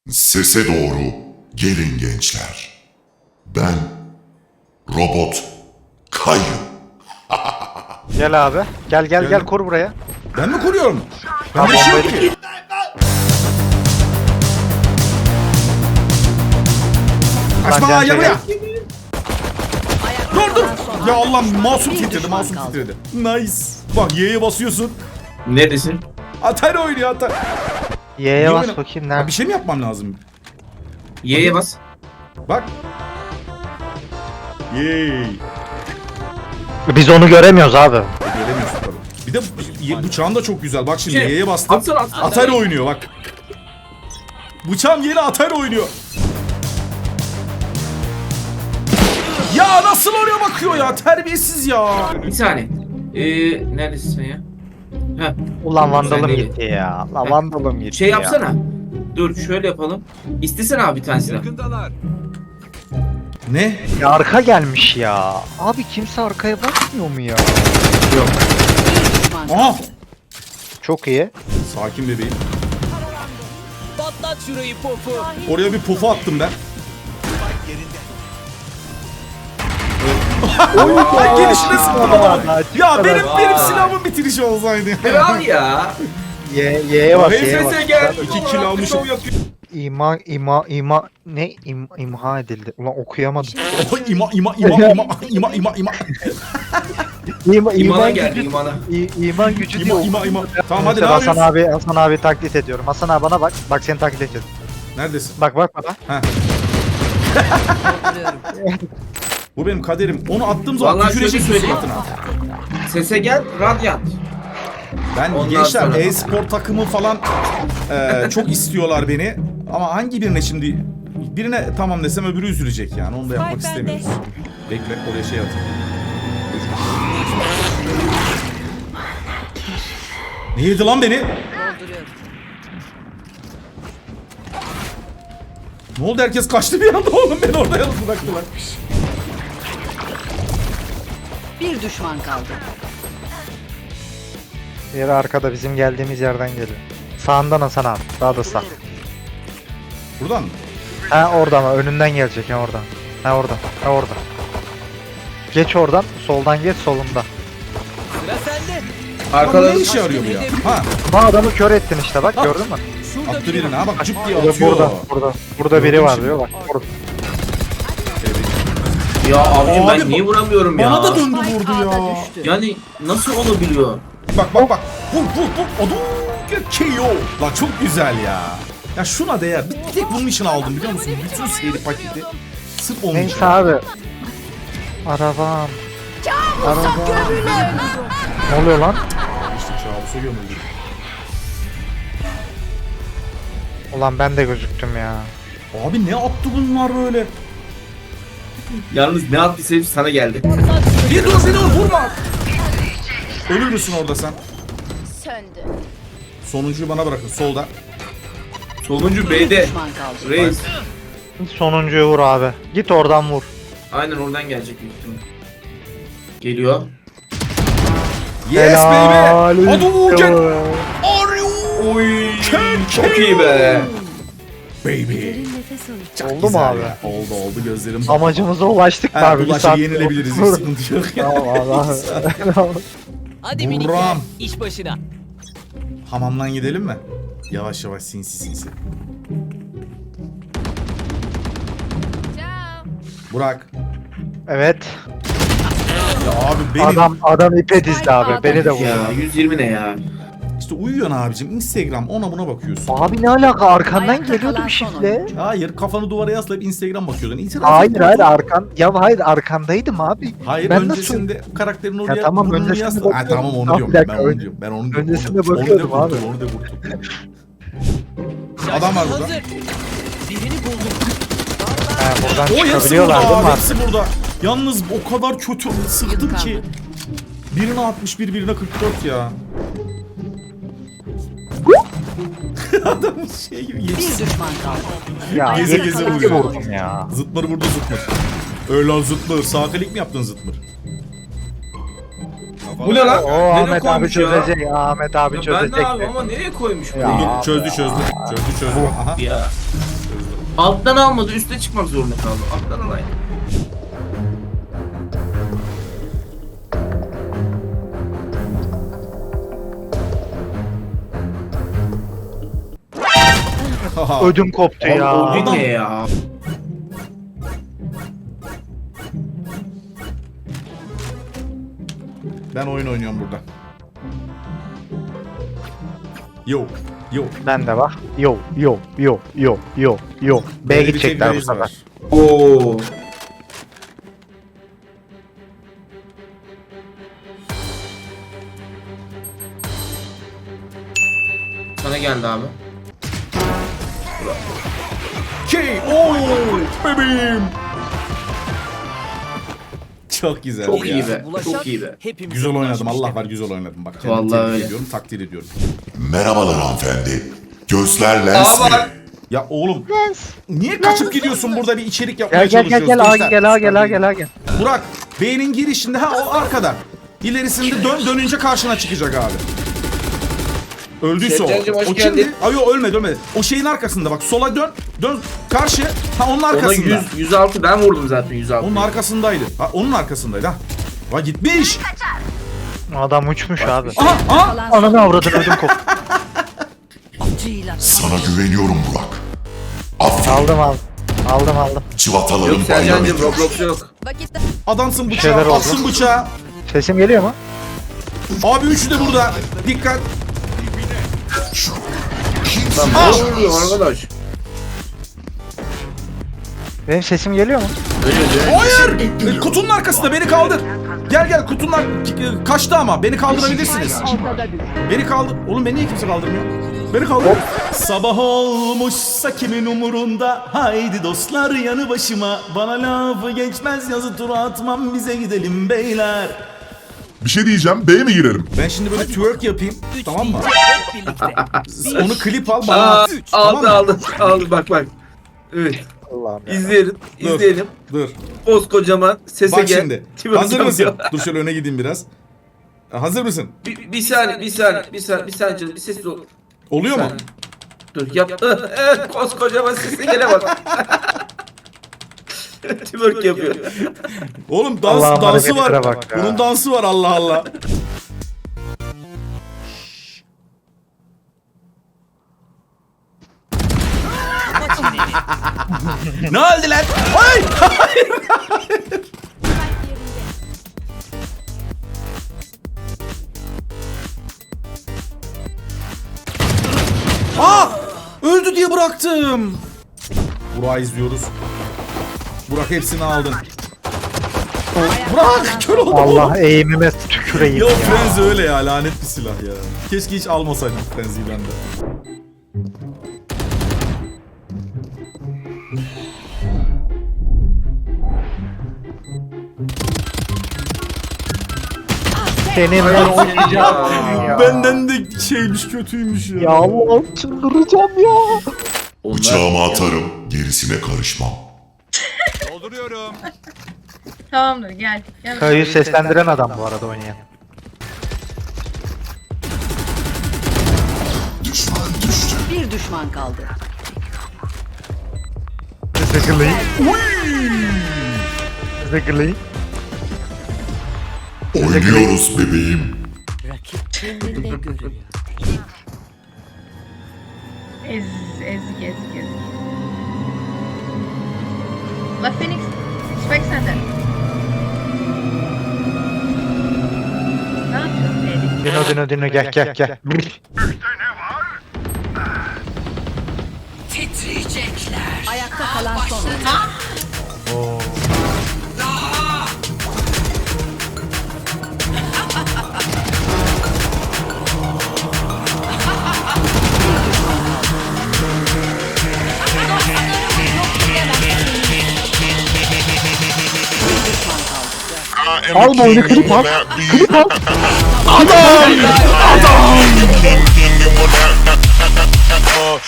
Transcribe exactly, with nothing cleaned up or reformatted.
Sese doğru gelin gençler. Ben Robot Kayu. Gel abi. Gel gel Geldim. gel kur buraya. Ben mi kuruyorum? Tamam, Ben bir şey yok bombayı- ki. Kaçma Can ya buraya. çekil. Dur dur. Ya Allah masum titredi masum titredi. Nice. Bak Y'ye basıyorsun. Neredesin? Atari oynuyor Atari. Y'ye Niye bas oyna- bakayım Ya nerede? bir şey mi yapmam lazım? Y'ye bas. Bak. Yey. Biz onu göremiyoruz abi. Göremiyorsun tabii. Bir de y- bıçağın da çok güzel. Bak şimdi Şey, Y'ye bastım. atsana, atsana. Atari oynuyor bak. Bıçağım yeni Atari oynuyor. Ya nasıl oraya bakıyor ya? Terbiyesiz ya. Bir saniye. Ee, neredesin sen ya? Heh. Ulan vandalım Sen değil. gitti ya. Ulan Heh. vandalım gitti Şey ya. yapsana. Dur şöyle yapalım. İstesene abi bir tanesini. Ne? Ya arka gelmiş ya. Abi kimse arkaya bakmıyor mu ya? Yok. Aha. Çok iyi. Sakin bebeğim. Patlat şurayı pofu. Oraya bir pufu attım ben. Ay gelişine sıktım ama. Ya benim benim silahımın bitirişi olsaydı. Kral ya. Y Y'ye bas Y'ye bas. H F S gel. İki kill almışım. İma ima ima ne im, imha edildi. Ulan okuyamadım. Oh, ima ima ima ima ima ima ima İma, İmana iman geldi gücü, imana. İ- iman gücü ima diyor. ima ima. Tamam hadi ne Mesela Hasan yapıyorsun? abi Hasan abi taklit ediyorum. Hasan abi bana bak. Bak seni taklit ediyorum. Neredesin? Bak bak bana. Ha. Bu benim kaderim. Onu attığım zaman Vallahi tükürecek şöyle söyleyeyim. suratına. Sese gel. Radyant. Ben Ondan gençler sonra- e-spor takımı falan e, çok istiyorlar beni. Ama hangi birine şimdi birine tamam desem öbürü üzülecek yani. Onu da yapmak istemiyoruz. Bekle oraya şey atayım. Ne yedi lan beni? Ne oldu herkes kaçtı bir anda oğlum beni orada yalnız bıraktılar. Bir düşman kaldı. Diğeri arkada bizim geldiğimiz yerden geliyor. Sağından Hasan abi. Daha da sağ. Buradan mı? Ha orada ama önünden gelecek ha oradan. Ha oradan. Ha orada. Geç oradan. Soldan geç solunda. Sıra sende. Lan Arkada ne işe yarıyor bu ya? Ha Ama adamı kör ettin işte bak gördün mü? Şurada attı biri birini var. ha bak cıp diye Burada atıyor. burada burada. Burada biri var diyor bak. Burada. Ya abicim Abi ben niye vuramıyorum ya? Bana da döndü vurdu Ağda ya. düştü. Yani nasıl olabiliyor? Bak bak bak. Vur vur vur. Odun. K O. Lan çok güzel ya. Ya şuna değer. Bir tek bunun için aldım biliyor musun? Bütün seri paketi. Sırf onun için. Neyse abi. Arabam. Arabam. Ne oluyor lan? İşte kabusa gömüldü. Ulan ben de gözüktüm ya. Abi ne attı bunlar böyle? Yalnız ne yaptıysa hepsi sana geldi. Bir dur bir dur vurma. Ölür müsün orada sen? Söndü. Sonuncuyu bana bırakın solda. Sonuncu Bir B'de. düşman kaldı. Reis. Sonuncuyu vur abi. Git oradan vur. Aynen oradan gelecek büyük ihtimal. Geliyor. Yes Helal baby. Hadi olsun. Uğurcan. Are you? Oy. Can Çok iyi be. Baby. Çok Oldu mu güzel abi? ya. Oldu oldu gözlerim. Amacımıza ulaştık mı Ha, abi? Bir bulaşık saat- yenilebiliriz. Hiç sıkıntı yok. Tamam Allah. Hadi minikler. Buram. İş başına. Hamamdan gidelim mi? Yavaş yavaş sinsi sinsi. Burak. Evet. Ya abi benim Adam adam ipe dizdi abi. Beni de vurdu. Ya yüz yirmi ne ya? işte uyuyorsun abicim. Instagram ona buna bakıyorsun. Abi ne alaka arkandan Ayakta geliyordu kalan bir son şifle. oyuncu. Hayır kafanı duvara yaslayıp Instagram bakıyordun. İtiraf Hayır et. hayır arkan. Ya hayır arkandaydım abi. Hayır Ben öncesinde karakterin oraya Ya tamam, burnunu öncesinde yasla. Ha bakıyordum. tamam onu Tamam, diyorum. bir dakika, Ben onu önce- diyorum. Ben onu diyorum. öncesinde Onu- onu bakıyordum da abi. vurdum, Onu da vurdum. Şaşkın Adam var burada. hazır. Birini buldum. Ha, buradan O hepsi burada çıkabiliyorlar değil mi abi. abi? Hepsi burada. Yalnız o kadar kötü sıktım Yıkandı. ki. Birine altmış bir, birine kırk dört ya. Adam şey gibi Bir geçsin. düşman kaldı. Ya Geze yedi geze kere vuruyor. vurdum ya. Zıtmır vurdu zıtmır. Öyle lan zıtmır. Sağ klik mi yaptın zıtmır? Bu ne lan? O Nereye Ahmet abi koymuş ya? çözecek. Ahmet abi Ya ben çözecek. de abi ama nereye koymuş bu? Ya. Dur, çözdü çözdü. Çözdü çözdü. Aha. Ya. Alttan almadı, üste çıkmak zorunda kaldı. Alttan alayım. Ödüm koptu ya. O Adam- ne ya? Ben oyun oynuyorum burada. Yo yo. Ben de bak. Yo yo yo yo yo yo. B'ye Böyle bir gidecekler bu tecrübemiz sefer. var. Oo. Sana geldi abi. K O bebeğim. Çok güzel Çok ya. iyi be. Bulaşan Çok iyi be. hepimize Güzel oynadım. bulaşmış Allah demek. var güzel oynadım. Bak kendimi Vallahi tebrik öyle. ediyorum, takdir ediyorum. Merhabalar hanımefendi. Gözler lens mi? Aa, Ya oğlum niye kaçıp gidiyorsun burada bir içerik yapmaya Gel gel gel çalışıyoruz. gel A gençler? gel A gel A gel A gel. Burak B'nin girişinde ha o arkada. İlerisinde dön dönünce karşına çıkacak abi. Öldüyse o. Sevcan'cığım, hoş O geldin. kimdi? Ay yok ölmedi ölmedi. O şeyin arkasında bak sola dön. Dön karşı. Ha onun ona arkasında. yüz, yüz altı ben vurdum zaten yüz altı. Onun arkasındaydı. Ha onun arkasındaydı ha. Ha gitmiş. Adam uçmuş abi. Aha aha. Kalan son Ananı avradın ödüm koptu. oyuncuyla Sana güveniyorum Burak. Aferin. Aldım aldım. Aldım aldım. Çivataların Yok bayram Sercan'cım ediyor. Roblox yok. vakitte Adamsın şeyler bıçağı. oldu. Atsın bıçağı. Sesim geliyor mu? Abi üçü de burada. Dikkat. Lan Aa! ne oluyor arkadaş? Benim sesim geliyor mu? Öyle öyle. Hayır. E, Kutunun arkasında beni kaldır. Gel gel kutunun ar- kaçtı ama beni kaldırabilirsiniz. Beni kaldır. Oğlum beni niye kimse kaldırmıyor? Beni kaldır. Sabah olmuşsa kimin umurunda? Haydi dostlar yanı başıma. Bana lafı geçmez yazı tura atmam bize gidelim beyler. Bir şey diyeceğim. B'ye mi girelim? Ben şimdi böyle twerk yapayım. Üç Tamam mı? deyince hep birlikte. Onu klip al bana Aa, at. Tamam aldı mı? aldı aldı bak bak. Evet. Allah'ım ya. İzleyelim. Dur. izleyelim. Dur. Koskocaman sese Bak gel. şimdi. Twerk Hazır yapıyor. mısın? Dur şöyle öne gideyim biraz. Hazır mısın? Bir, bir saniye, bir saniye, bir saniye, bir saniye canım, bir ses ol. Oluyor mu? Dur yap. Evet, koskocaman sese gele bak. Twerk yapıyor. Oğlum dans Allah'ım dansı var. hareketlere bak ya. Bunun dansı var Allah Allah. Ne oldu lan? Ay! Aa! Öldü diye bıraktım. Burak'ı izliyoruz. Burak hepsini aldın. Burak kör oldu. Allah eğimime tüküreyim Ya ya. Frenzy öyle ya lanet bir silah ya. Keşke hiç almasaydım Frenzy'yi ben de. Senin ben oynayacağım ya. Benden de şeymiş kötüymüş ya. Ya Allah'ım çıldıracağım ya. Bıçağımı atarım. Gerisine karışmam. Tamamdır gel. Gel. Kayı seslendiren adam bu arada oynayan. Düşman düştü. bir düşman kaldı. Zıgırlayın. Zıgırlayın. Oynuyoruz bebeğim. Rakip kendinde görüyor. Ez, ezik ezik ezik. La Phoenix. Spike sende. Ne yapıyorsun Erik? Dino dino dino gel gel gel. Ayakta kalan son oyuncu. Al bu oyunu klip al. Klip al. Adam! Adam!